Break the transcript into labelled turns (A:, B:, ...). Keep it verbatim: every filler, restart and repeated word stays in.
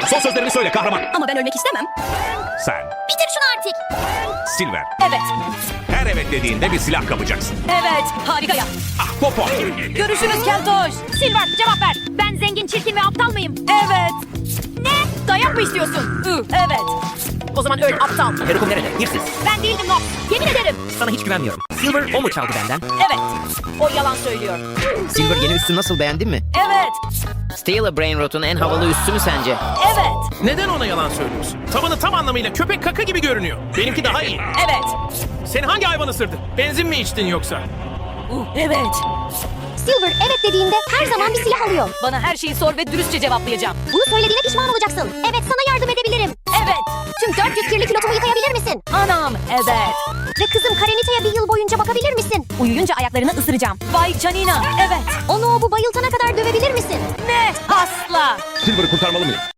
A: Son sözlerini söyle kahraman.
B: Ama ben ölmek istemem.
A: Sen.
B: Bitir şunu artık.
A: Silver.
B: Evet.
A: Her evet dediğinde bir silah kapacaksın.
B: Evet. Harika ya.
A: Ah popo.
B: Görüşürüz Keltoş. Silver cevap ver. Ben zengin, çirkin ve aptal mıyım? Evet. Ne? Dayak mı istiyorsun? Ü, evet. O zaman öl aptal.
C: Perukum nerede? Hırsız.
B: Ben değildim Nox. Yemin ederim.
C: Sana hiç güvenmiyorum. Silver o mu çaldı benden?
B: Evet. O yalan söylüyor.
C: Silver yeni üstü nasıl, beğendin mi?
B: Evet.
C: Steel'a Brain Rot'un en havalı üstü mü sence?
B: Evet.
D: Neden ona yalan söylüyorsun? Tabanı tam anlamıyla köpek kaka gibi görünüyor. Benimki daha iyi.
B: Evet.
D: Seni hangi hayvan ısırdı? Benzin mi içtin yoksa?
B: Uh, evet.
E: Silver evet dediğinde her zaman bir silah alıyor.
B: Bana her şeyi sor ve dürüstçe cevaplayacağım.
E: Bunu söylediğine pişman olacaksın. Evet sana yardım edebilirim.
B: Evet.
E: Tüm dört yüz kirli pilotumu yıkayabilir misin?
B: Anam. Evet.
E: Ve kızım Karenita'ya bir yıl boyunca bakabilir misin? Uyuyunca ayaklarını ısıracağım.
B: Vay canina. Evet.
E: Onu o bu bayıltana kadar dövebilir misin?
B: Ne? Asla.
A: Silver'ı kurtarmalı mıyım?